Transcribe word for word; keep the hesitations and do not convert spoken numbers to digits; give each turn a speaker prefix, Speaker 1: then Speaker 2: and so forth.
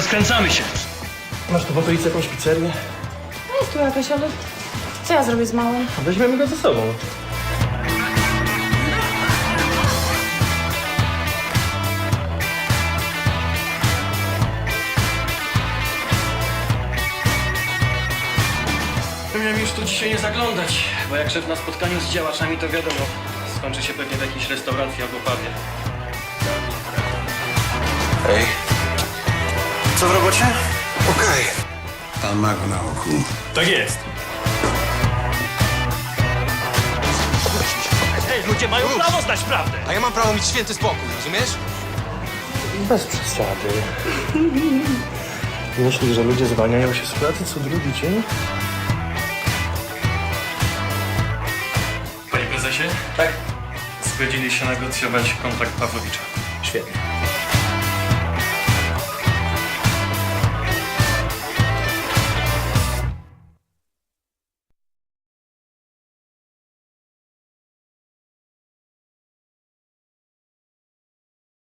Speaker 1: rozkręcamy się.
Speaker 2: Masz tu w okolicy jakąś pizzerię?
Speaker 3: No jest tu jakaś, ale co ja zrobię z małym?
Speaker 2: Weźmiemy go ze sobą.
Speaker 1: Miałem już tu dzisiaj nie zaglądać, bo jak szedł na spotkaniu z działaczami, to wiadomo, skończy się pewnie w jakiejś restauracji albo pubie.
Speaker 4: Ej, co w robocie?
Speaker 5: Okej. Pan ma go na oku.
Speaker 2: Tak jest.
Speaker 1: Hej, ludzie mają prawo znać prawdę!
Speaker 4: A ja mam prawo mieć święty spokój, rozumiesz?
Speaker 2: Bez przesady. Myślisz, że ludzie zwalniają się z pracy co drugi dzień?
Speaker 1: Panie prezesie? Tak? Zgodzili się negocjować kontrakt Pawłowicza.
Speaker 2: Świetnie.